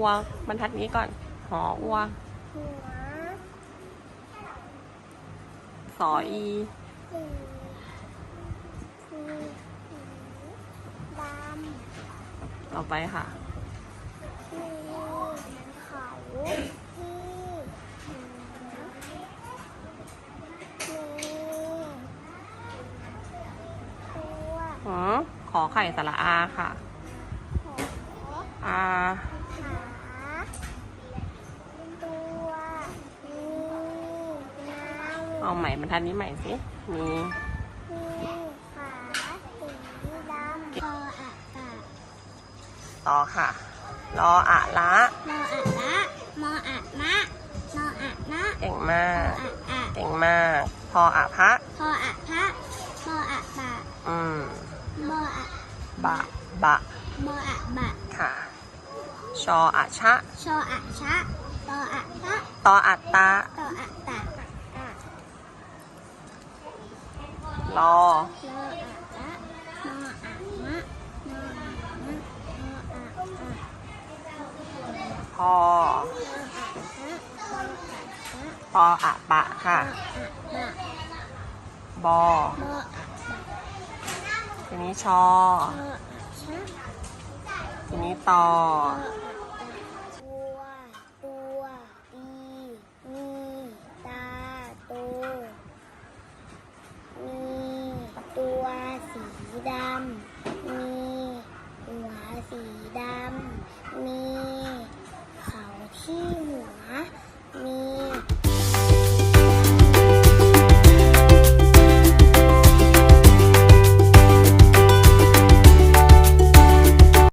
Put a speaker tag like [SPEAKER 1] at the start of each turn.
[SPEAKER 1] อัวบรรทัดนี้ก่อนหออัว
[SPEAKER 2] หัว
[SPEAKER 1] สออี
[SPEAKER 2] สีดำ
[SPEAKER 1] ต่อไปค่ะ
[SPEAKER 2] มีเขาที่ตัว
[SPEAKER 1] ขอไข่สระอาค่ะอา
[SPEAKER 2] ขาตัวมีเงา
[SPEAKER 1] เอาใหม่บรรทัดนี้ใหม่สิมี
[SPEAKER 2] มีขาสีดำคออะกะ
[SPEAKER 1] ต่อค่ะรออะละ
[SPEAKER 2] มออะละมออะนะนออะนะ
[SPEAKER 1] เก่งมาก
[SPEAKER 2] อะอะ
[SPEAKER 1] เก่งมากพออะพะ
[SPEAKER 2] พออะพะมออะบะมออะ
[SPEAKER 1] บะบะ
[SPEAKER 2] มออะบะ
[SPEAKER 1] ค่ะชออะชะ
[SPEAKER 2] ชออะชะตออะตะ
[SPEAKER 1] ตออะตะ
[SPEAKER 2] ตออะตะ
[SPEAKER 1] รอ
[SPEAKER 2] ลออะละมออะมะมออะมะมออะอะ
[SPEAKER 1] พอปออะปะค่ะบอทีนี้ชอทีนี้ตอ
[SPEAKER 2] ตัวอีมีตาโตมีตัวสีดำมีหัวสีดำมีเขาที่